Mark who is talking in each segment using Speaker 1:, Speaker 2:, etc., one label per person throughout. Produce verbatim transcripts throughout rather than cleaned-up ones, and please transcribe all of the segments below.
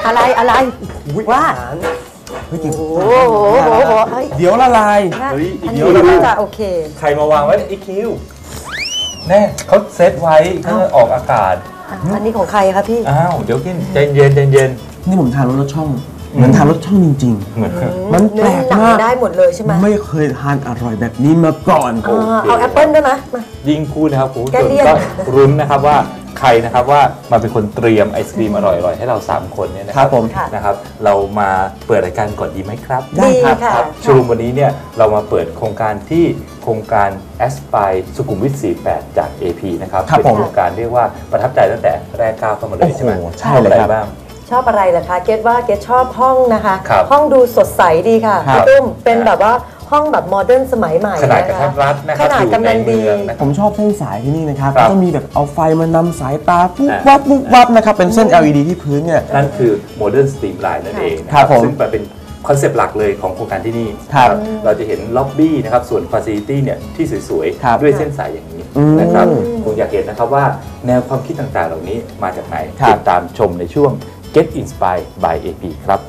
Speaker 1: อะไรอะไรว่า
Speaker 2: เฮ้ยจริง
Speaker 1: โอ้โห
Speaker 2: เดี๋ยวละลาย
Speaker 1: เดี๋ยวน่าจะโอเค
Speaker 3: ใครมาวางไว้อีคิวแน่เขาเซตไว้เพื่อออกอากาศ
Speaker 1: อันนี้ของใครครับพี่
Speaker 3: อ้าวเดี๋ยวกินใจเย็นใจเย็น
Speaker 2: นี่ผมทานรสช่องเหมือนทานรสช่องจริงๆเหมือนมันแปลกมาก
Speaker 1: ได้หมดเลยใช่ไหม
Speaker 2: ไม่เคยทานอร่อยแบบนี้มาก่อน
Speaker 1: เอาแอปเปิ้ลได้ไหม
Speaker 3: ยิ่งพูดนะครับคุณผู้ชมก็รุ้นนะครับว่าใครนะครับว่ามาเป็นคนเตรียมไอศกรีมอร่อยๆให้เราสามคนเนี่ยนะครับผมนะครับเรามาเปิดรายการก่อนดีไหมครับ
Speaker 1: ได้ครับ
Speaker 3: ชูรุมวันนี้เนี่ยเรามาเปิดโครงการที่โครงการแอสไพร์สุขุมวิทสี่สิบแปดจาก เอ พี นะครับเป็นโครงการเรียกว่าประทับใจตั้งแต่แรกก้าวเข้ามาเลยใช่ไหม
Speaker 2: ใช่เลยครับ
Speaker 1: ชอบอะไรล่ะคะเกดว่าเกดชอบห้องนะคะห้องดูสดใสดีค่ะพี่ตุ้มเป็นแบบว่าห้องแบบโมเดิร์นสมัยใหม่
Speaker 3: ขนาดกระทัดรัดนะครับ
Speaker 1: ขนาดกำลังดี
Speaker 2: ผมชอบเส้นสายที่นี่นะครับก็มีแบบเอาไฟมานำสายตาปุ๊บวับปุ๊บวับนะครับเป็นเส้น แอล อี ดี ที่พื้นเนี่ย
Speaker 3: นั่นคือโมเดิร์นสตรีมไลน์นั่นเองนะครับซึ่งเป็นคอนเซปต์หลักเลยของโครงการที่นี่เราจะเห็นล็อบบี้นะครับส่วนฟาซิลิตี้เนี่ยที่สวยๆด้วยเส้นสายอย่างนี้นะครับคงอยากเห็นนะครับว่าแนวความคิดต่างๆเหล่านี้มาจากไหนติดตามชมในช่วง Get Inspired by เอ พี ครับ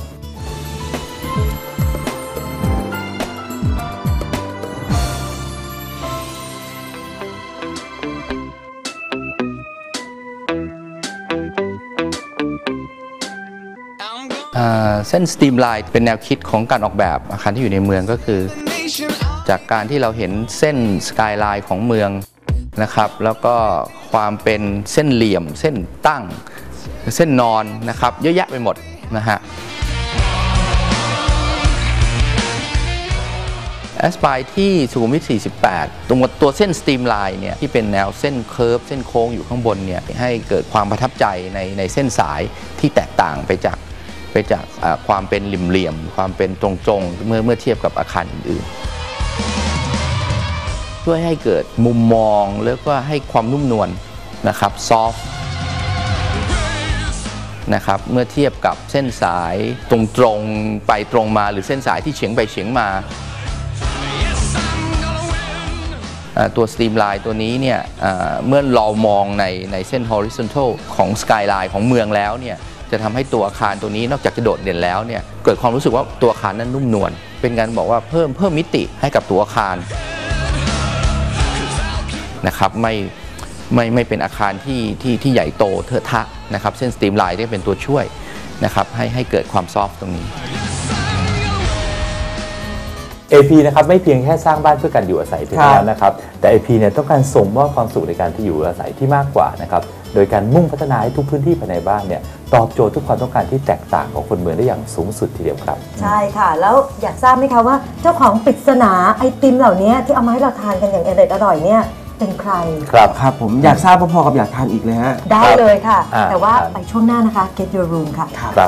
Speaker 4: เส้นสตรีมไลน์เป็นแนวคิดของการออกแบบอาคารที่อยู่ในเมืองก็คือจากการที่เราเห็นเส้นสกายไลน์ของเมืองนะครับแล้วก็ความเป็นเส้นเหลี่ยมเส้นตั้งเส้นนอนนะครับเยอะแยะไปหมดนะฮะแอสไพร์ที่สุขุมวิทสี่สิบแปดตรงตัวเส้นสตรีมไลน์เนี่ยที่เป็นแนวเส้นเคิร์ฟเส้นโค้งอยู่ข้างบนเนี่ยให้เกิดความประทับใจในในเส้นสายที่แตกต่างไปจากไปจากความเป็นเหลี่ยมๆความเป็นตรงๆเมื่อเมื่อเทียบกับอาคารอื่นๆช่วยให้เกิดมุมมองแล้วก็ให้ความนุ่มนวลนะครับซอฟต์นะครับเมื่อเทียบกับเส้นสายตรงๆไปตรงมาหรือเส้นสายที่เฉียงไปเฉียงมาตัวสตรีมไลน์ตัวนี้เนี่ยเมื่อเรามองในในเส้น horizontal ของสกายไลน์ของเมืองแล้วเนี่ยจะทำให้ตัวอาคารตัวนี้นอกจากจะโดดเด่นแล้วเนี่ยเกิดความรู้สึกว่าตัวอาคารนั้นนุ่มนวลเป็นการบอกว่าเพิ่มเพิ่มมิติให้กับตัวอาคารนะครับไม่ไม่ไม่เป็นอาคารที่ที่ที่ใหญ่โตเทอะทะนะครับเส้นสตรีมไลน์ได้เป็นตัวช่วยนะครับให้ให้เกิดความซอฟต์ตรงนี้
Speaker 3: เอ พี นะครับไม่เพียงแค่สร้างบ้านเพื่อการอยู่อาศัยเท่านั้นนะครับแต่ เอ พี เนี่ยต้องการส่งมอบความสุขในการที่อยู่อาศัยที่มากกว่านะครับโดยการมุ่งพัฒนาให้ทุกพื้นที่ภายในบ้านเนี่ยตอบโจทย์ทุกความต้องการที่แตกต่างของคนเมืองได้อย่างสูงสุดทีเดียวครับ
Speaker 1: ใช่ค่ะแล้วอยากทราบไหมคะว่าเจ้าของปริศนาไอติมเหล่านี้ที่เอามาให้เราทานกันอย่างอร่อยอร่อยเนี่ยเป็นใคร
Speaker 3: ครับ
Speaker 2: ครับผมอยากทราบพอๆกับอยากทานอีกเลยฮะ
Speaker 1: ได้เลยค่ะแต่ว่าไปช่วงหน้านะคะ Get Your Room ค่ะ
Speaker 3: ครับ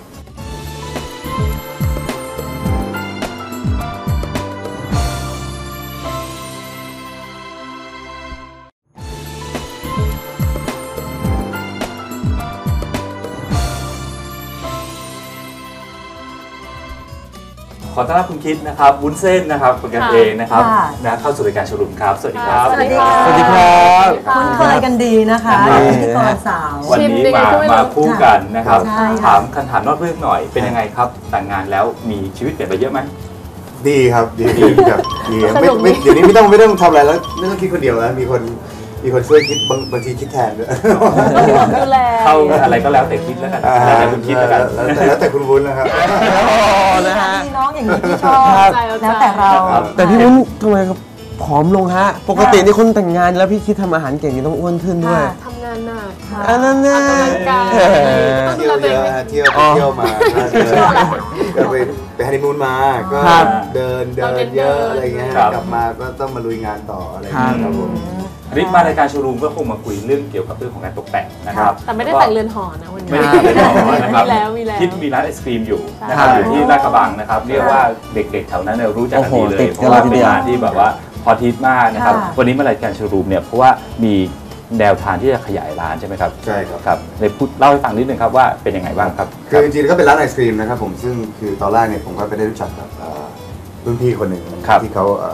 Speaker 3: ขอต้อนรับคุณคิดนะครับวุ้นเส้นนะครับเป็นกันเองนะครับนะเข้าสู่รายการโชว์รูมครับสวัสดีครับ
Speaker 1: สวัสดีครับ
Speaker 2: สวัสดีครับ
Speaker 1: คุ้นเคยกันดีนะคะพิธีกรสาว
Speaker 3: วันนี้มามาคู่กันนะครับถามคำถามนอกเรื่องหน่อยเป็นยังไงครับแต่งงานแล้วมีชีวิตเปลี่ยนไปเยอะไหม
Speaker 5: ดีครับดีดีครับดีไม่ไม่เดี๋ยวนี้ไม่ต้องไม่ต้องทำอะไรแล้วไม่ต้องคิดคนเดียวแล้วมีคนมีคนช่วยคิดบางบางทีคิดแทนด้วย
Speaker 1: ดูแล
Speaker 3: เข้าอะไรก็แล้วแต่คิดแล้วกันแล้วแต่คุณคิดแล้วกัน
Speaker 5: แล้วแต่คุณวุ้นนะครับ
Speaker 1: นะฮะน้องอย่างนี้ที่ชอบแล้วแต่เรา
Speaker 2: แต่พี่วุ้นทำไมผอมลงฮะปกตินี่คนแต่งงานแล้วพี่คิดทำอาหารเก่งนี่ต้องอ้วนขึ้นด้วย
Speaker 6: ทำงานหนัก
Speaker 2: อันนั้นน่ะ
Speaker 5: เที่ยวเยอะเที่ยวเที่ยวมาก็ไปไปฮันนีมูนมาก็เดินเดินเยอะอะไรเงี้ยกลับมาก็ต้องมาลุยงานต่ออะไรอย่างเงี้ยครับผม
Speaker 3: ริมารายการโชว์รูมก็คงมาคุยเรื่องเกี่ยวกับเรื่องของการตกแต่งนะครับ
Speaker 6: แต่ไม่ได้แต่งเรือนหอนะวันนี้
Speaker 3: ไม่ได้แต่งเรือนหอนะครับ
Speaker 6: มีแล้วมีแล้ว
Speaker 3: คิดมีร้านไอศครีมอยู่นะครับอยู่ที่ลาดกระบังนะครับเรียกว่าเด็กๆแถวนั้นเนี่ยรู้จักกันดีเลยเพราะว่าเป็นร้านที่แบบว่าพอทิตมากนะครับวันนี้มารายการโชว์รูมเนี่ยเพราะว่ามีแนวทางที่จะขยายร้านใช่ไหมครับ
Speaker 5: ใช่ครับ
Speaker 3: ครับในพูดเล่าให้ฟังนิดนึงครับว่าเป็นยังไงบ้างครับ
Speaker 5: คือจริงๆก็เป็นร้านไอศครีมนะครับผมซึ่งคือตอนแรกเนี่ยผมก็ไปได้รู้จักกับรุ่นพี่คนหนึ่งที่เขา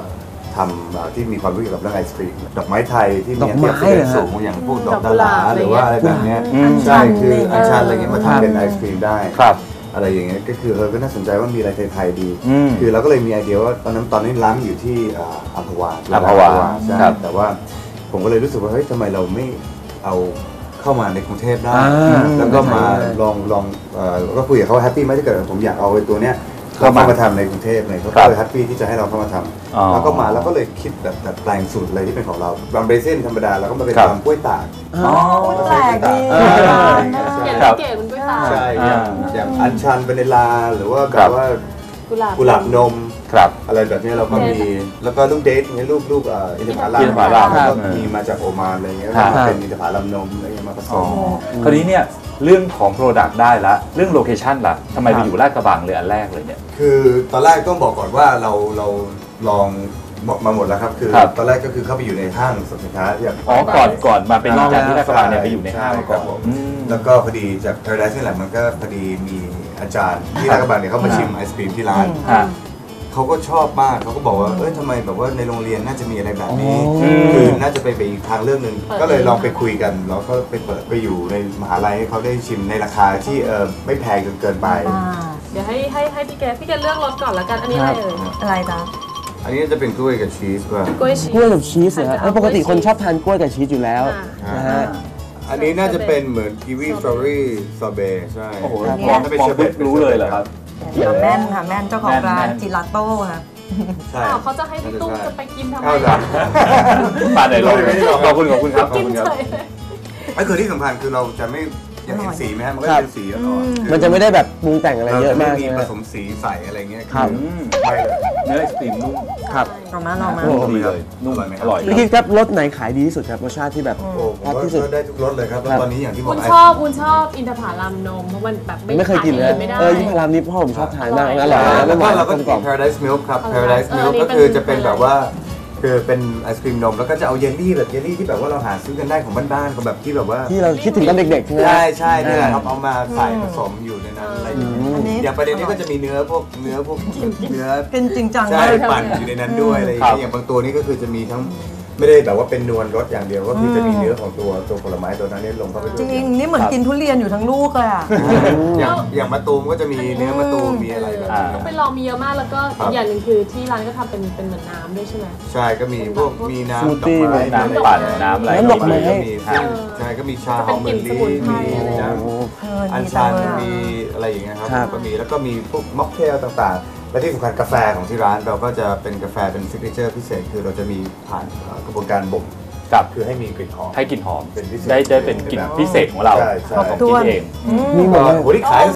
Speaker 5: ทำที่มีความรู้เกี่ยวกับเรื่องไอศครีมดอกไม้ไทยที่มี
Speaker 2: ดอกไม้
Speaker 5: เทียบสูงอย่างพวกดอกดาราหรือว่าอะไรแบบนี้ใช่คืออัญชันอะไรเงี้ยมาทำเป็นไอศครีมได้อะไรอย่างเงี้ยก็คือเออก็น่าสนใจว่ามีอะไรไทยๆดีคือเราก็เลยมีไอเดียว่าตอนนั้นตอนนี้ร้านอยู่ที่อัมพวาอัมพวาใช่แต่ว่าผมก็เลยรู้สึกว่าเฮ้ยทำไมเราไม่เอาเข้ามาในกรุงเทพได้แล้วก็มาลองลองก็คุยกับเขาแฮปปี้ไหมถ้าเกิดผมอยากเอาไอ้ตัวเนี้ยเข้ามาทำในกรุงเทพเลยเขาก็เลยแฮปปี้ที่จะให้เราเข้ามาทำแล้วก็มาแล้วก็เลยคิดแบบแบบแปลงสูตรอะไรที่เป็นของเราบางเบรเซนธรรมดาแล้วก็มาเป็นทำกล้วยตาก
Speaker 1: อ๋อแปลกดี
Speaker 6: เก๋เก๋มันกล้วยตาก
Speaker 5: ใช่อย่างอัญชันวานิลาหรือว่าแบบว่ากุหลาบนมอะไรแบบนี้เราก็มีแล้วก็ลูกเดทเนี่ยลูกลูกอินทผลัมก็มีมาจากโอมานอะไรเงี้ยเป็นอินทผลัมนมอะไรเงี้ยมาผสม
Speaker 3: คราวนี้เนี่ยเรื่องของ Product ได้ละเรื่องโลเคชั่นล่ะทำไมไปอยู่ลาดกระบังเลยอันแรกเลยเนี่ย
Speaker 5: คือตอนแรกต้องบอกก่อนว่าเราเราลองบอกมาหมดแล้วครับคือตอนแรกก็คือเข้าไปอยู่ในห้างสรรพสินค้าอย่าง
Speaker 3: อ๋อก่อนก่อนมาเป็นจากที่ลาดกระบังเนี่ยไปอยู่ในห้างก่อน
Speaker 5: แล้วก็พอดีจาก Paradise นี่แหละมันก็พอดีมีอาจารย์ที่ลาดกระบังเนี่ยเขามาชิมไอศครีมที่ร้านเขาก็ชอบมากเขาก็บอกว่าเอ้ยทำไมแบบว่าในโรงเรียนน่าจะมีอะไรแบบนี้คือน่าจะไปไปอีกทางเรื่องหนึ่งก็เลยลองไปคุยกันแล้วก็ไปเปิดไปอยู่ในมหาลัยให้เขาได้ชิมในราคาที่เออไม่แพงจนเกินไป
Speaker 6: เดี๋ยวให้ให้ให้พี่แกพี่แกเลือกรสก่อนละกันอันนี้อะไรเอ่ย
Speaker 1: อะไรจ๊ะ
Speaker 5: อันนี้จะเป็นกล้วยกับชีสป่ะ
Speaker 6: กล้วยชีส
Speaker 2: กล้วยกับชีสเหรอครับปกติคนชอบทานกล้วยกับชีสอยู่แล้วนะฮะ
Speaker 5: อันนี้น่าจะเป็นเหมือนกีวีสตรอเบอรี่ซอเบต์ใช่
Speaker 3: โอ้โหมองมองรู้เลยเหรอครับ
Speaker 1: แม่นค่ะแม่นเจ้าของร้านจิลาโต้ค่ะ
Speaker 6: ใช่เขาจะให้พี่ตุ้มจะไปกินทำไม
Speaker 3: ป่าไหนลองขอบคุณขอบคุณครับขอบคุณครับ
Speaker 5: ก็คือที่สำคัญคือเราจะไม่อยากเห็นสีไหมฮะมันก็เป็นสีอ่อน
Speaker 2: มันจะไม่ได้แบบปรุงแต่งอะไรเยอะมาก
Speaker 5: มีผสมสีใส่อะไรเงี้ย
Speaker 2: ครับ
Speaker 5: ไม่เลย
Speaker 3: เนื้อไอศครีมนุ่ม
Speaker 2: ครับ
Speaker 1: ลองมาลองมา
Speaker 3: ดีเลยนุ่มอร่อย
Speaker 2: พี่คิดครับรสไหนขายดีที่สุดครับรสชาติที่แบบ
Speaker 5: ชอบที่สุดได้ทุกรสเลยครับตอนนี้อย่างที่บอก
Speaker 6: คุณชอบคุณชอบอินทผลัมนมเพราะมันแบบ
Speaker 2: ไม่เคยกินเลยเอออินทผลัมนี่พ่อผมชอบทานมากอร่อย
Speaker 5: แล้วก็เราก็กิน Paradise Milk ครับ Paradise Milk ก็คือจะเป็นแบบว่าคือเป็นไอศครีมนมแล้วก็จะเอาเยลลี่แบบเยลลี่ที่แบบว่าเราหาซื้อกันได้ของบ้านๆของแบบที่แบบว่า
Speaker 2: ที่เราคิดถึงตอนเด็กๆใช่ไหม
Speaker 5: ใช่ใช่นี่แหละครับเอามาใส่ผสมอยู่ในนั้นอะไรอย่างนี้อย่างประเด็นนี้ก็จะมีเนื้อพวกเนื้อพวกเนื้อ
Speaker 1: เป็นจริงจัง
Speaker 5: ใช่ปั่นอยู่ในนั้นด้วยอะไรอย่างนี้อย่างบางตัวนี้ก็คือจะมีทั้งไม่ได้แบบว่าเป็นนวลรสอย่างเดียวก็คือจะมีเนื้อของตัวตัวผลไม้ตัวนั้นนี่ลงเข้าไปด้วย
Speaker 1: จริงนี่เหมือนกินทุเรียนอยู่ทั้งลูกเลยอ่ะ
Speaker 5: อย่างอย่างมะตูมก็จะมีเนื้อมะตูมมีอะไรแบบนี้
Speaker 6: ต้องไปลองมีเยอะมากแล้วก็อย่างหนึ่งคือที่ร้านก็ทำเป็นเป็นเหมือนน้ำด้วยใช่ไหม
Speaker 5: ใช่ก็มีพวกมีน้ำดอกไม้
Speaker 3: น้ำปั่นน้ำอะไร
Speaker 2: น้ำดอกไม้
Speaker 5: ใช่ก็มีชาหอมเบอร์รี่มีอัญชันมีอะไรอย่างเงี้ยครับก็มีแล้วก็มีพวกม็อกเทลต่างๆและที่สำคัญกาแฟของที่ร้านเราก็จะเป็นกาแฟเป็นซิกเนเจอร์พิเศษคือเราจะมีผ่านกระบวนการบ่ม
Speaker 3: กับ
Speaker 5: คือให้มีกลิ่นหอม
Speaker 3: ให้กลิ่นหอมได้ได้เป็นกลิ่นพิเศษของเรา
Speaker 5: ใช่ใช่
Speaker 3: ของกินเอง
Speaker 5: นี่หมดเลย